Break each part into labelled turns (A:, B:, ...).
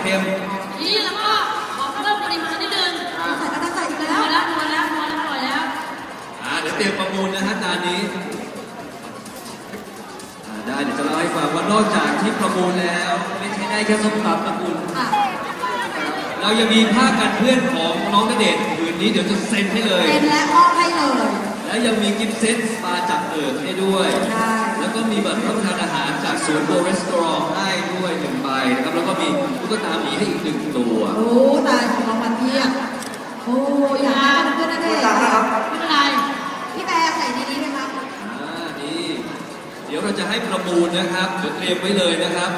A: ค็ม
B: นี่แล้วก็ขอเพิ่มปริมาณนิดนึงใส่กระต่ายอีกแล้วพอแล้ว
A: เดี๋ยวเตรียมประมูลนะฮะจานนี้ได้เดี๋ยวจะเล่าให้ฟังว่านอกจากที่ประมูลแล้วไม่ใช่ได้แค่ส้มตำประมูลเรายังมีผ้ากันเพื่อนของน้องณเดชน์คืนนี้เดี๋ยวจะเซ็นให้เลย
B: เซ็นและมอบให้เลย
A: และยังมีกิฟต์เซตมาจากให้ด้วยแล้วก็มีบัตรรับประทานอาหารจากศูนย์โบรีสตอรองให้ด้วย1 ใบนะครับแล้วก็มีตุ๊กตาหมีให้อีก1 ตัว
B: โอ้ตายของรางวัลเพียบโอ้อยากได้เพื่อนณเดชน์ไม่เป็นไรพี่แบร์ใส่ดีๆไหมครับ
A: นี่เดี๋ยวเราจะให้ประมูลนะครับเดี๋ยวเตรียมไว้เลยนะครับ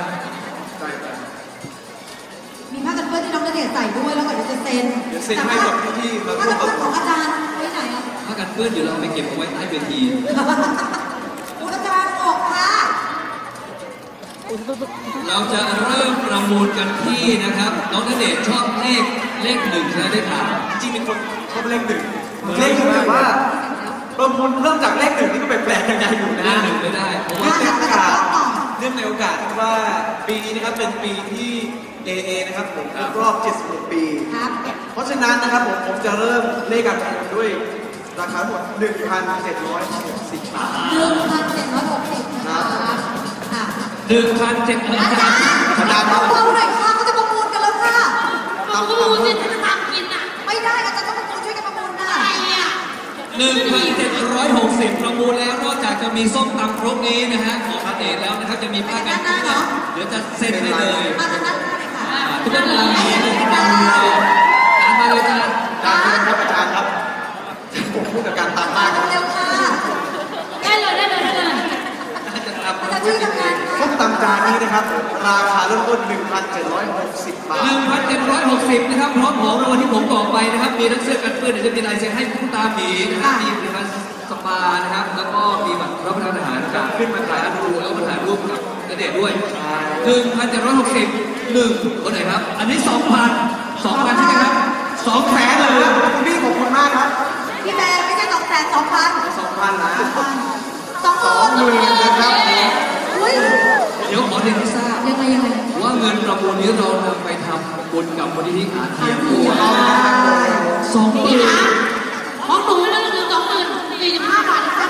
B: มีผ้ากันเปื้อนที่น้องณเดชน์ใส่ด้วยแล้วก็เดี๋ยวจะเซ็น
C: ให้กับพี่
B: ผ้ากันเปื้อนของอาจารย์ไว้ไหนอ่ะ
A: ผ้ากันเปื้อนเดี๋ยวเราไปเก็บเอาไว้ใต้เวที
B: อาจารย์ออกค่ะ
A: เราจะเริ่มประมูลกันที่นะครับน้องณเดชน์ชอบเลข1ใช่ไหมได้ข่าว
C: จริงเป็นคนชอบเลข 1แต่ว่าประมูลเริ่มจากเลข 1นี่ก็แปลกๆยังไงอยู่นะ
A: เลข 1ไม่ได้เพราะว่า
C: เนื่องในโอกาสว่าปีนี้นะครับเป็นปีที่ AA นะครับผมครบรอบ76 ปีเพราะฉะนั้นนะครับผมจะเริ่มเลขการประมูลด้วยราคาหมด 1,760 บาท
B: 1,760 นะครับ
A: 1,760
B: อาจารย์เราหน่อยค่ะเขาจะประมูลกันแล้วค่ะประมูลสิจะทำกินอ่ะไม่ได้อาจารย์ต้องประมูลช่วยกันประมูลนะ
A: 1,760 ประมูลแล้วนอกจากจะมีส้มตำครกนี้นะฮะของณเดชน์แล้วนะครับจะมีผ้ากันเปื้อนเดี๋ยวจะเซ็นให้เลย
B: มาทางด้านหน้าเลยค่ะ
A: ทุกท่านมีการมาเลยจ้า
C: ครับอาจารย์ครับผมพูดกับการตามมาก
B: เร็วค่ะได้เลยช่วยทำงาน
C: ส้มตำจานนี้นะครับราคาเริ่มต้น 1,760 บาท
A: 1,760 นะครับพร้อมของรางวัลที่ผมบอกไปนะครับมีทั้งเสื้อกันเปื้อนเดี๋ยวจะมีลายเซ็นให้ตุ๊กตาหมีนะครับมีผลิตภัณฑ์สปานะครับแล้วก็มีบัตรรับประทานอาหารจากขึ้นมาถ่ายรูปแล้วมาถ่ายรูปกับณเดชน์ด้วย 1,760 คนไหนครับอันนี้ 2,000 ใช่ไหมครับ200,000เลย
C: พี่ขอบคุณมากครับ
B: พี่แบร์ไม่ใช่200,000
C: 2,000 นะ
B: 20,000
C: นะครับ
A: เดี๋ยวขอเรียนให้ทราบว่าเงินประมูลนี้เรานำไปทำบุญกับมูลนิธิอาเทียมด้วย20,000
B: ของหนูเรื่องคือ20,045 บาทนะคะ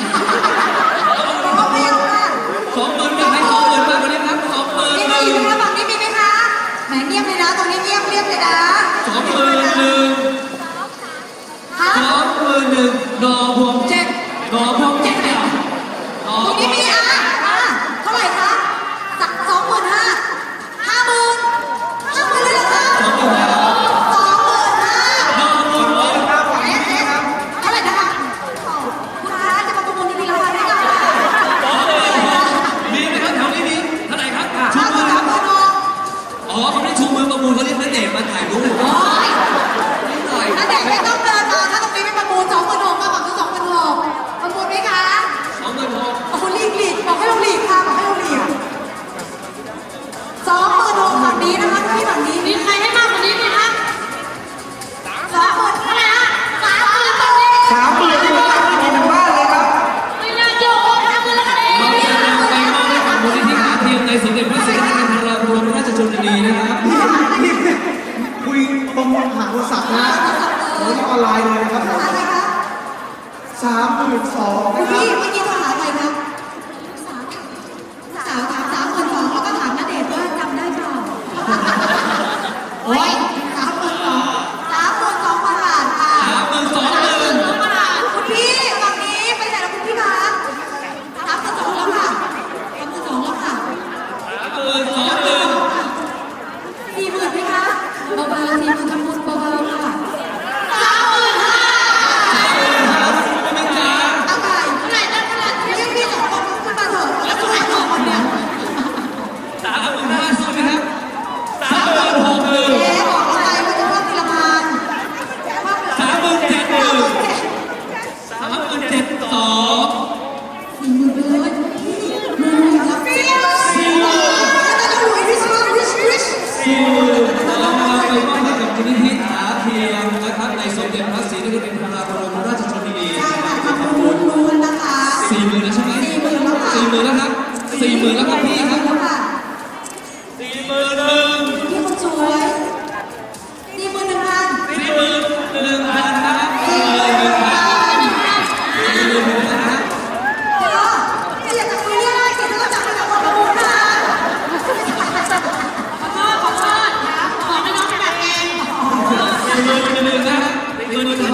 A: 20,000จะให้20,000มากกว่านี้ครับ20,000
B: มีไหมคะฝั่งนี้มีไหมคะแหมเงียบเลยนะตรงนี้เงียบเลยนะ
A: 21,000ดอกพวงแจ็คเนี่ย
B: ตรงนี้มีเท่าไหร่คะ25,000 50,000เลยเหรอคะเท่าไหร่นะคะคุณคะจะมาประมูลที่ราคาได้ไหม
A: มีไหมครับแถวนี้มีเท่าไหร่ครับชูมือครับเขาไม่ชูมือประมูลเขาเรียกณเดชน์มาถ่ายรูป
B: ณเดชน์ไม่ต้องเดินมาถ้าตรงนี้ไม่ประมูล26,000มาฝั่งนู้น26,000ประมูลไหมคะ
A: 26,000
B: โอ้หลีกบอกให้เราหลีกค่ะบอกให้เราหลีก20,000ฝั่งนี้นะคะที่ฝั่งนี้มีใครให้มากกว่านี้ไหมคะ20,000เท่าไหร่ฮะ30,000ตรงนี้
C: 30,000ที่ตั้งที่ทางบ้านเลยครับ
B: ไม่น่าเชื่อ30,000แล้วกันเอง
A: เราจะนำไปมอบให้กับมูลนิธิอาเทียมในสมเด็จพระศรีนครินทราบรมราชชนนีนะครับ
C: คุยประมูลหาโทรศัพท์นะโอ้ยออนไลน์เลยนะครับ32,000
B: นะครับพี่เมื่อกี้โทรหาใครครับสาวถาม32,000แล้วก็ถามณเดชน์ว่าจำได้เปล่าโอ้ย32,000 บาทค่ะ32,000 บาทคุณพี่ฝั่งนี้ไปไหนแล้วคุณพี่คะ32,000แล้วค่ะ32,000แล้วค่ะ40,000ไหมคะเบาๆ40,000ทำบุญเบาๆค่ะ
A: ในสมเด็จพระศรีนครินทราบรมราชชนนี
B: ใช่ค่ะทำบุญล้วนนะคะ
A: 40,000แล้วใช่ไหม40,000แล้วครับ40,000แล้วครับพี่ครับ
B: 40,000พี่คนสว
A: มือถือ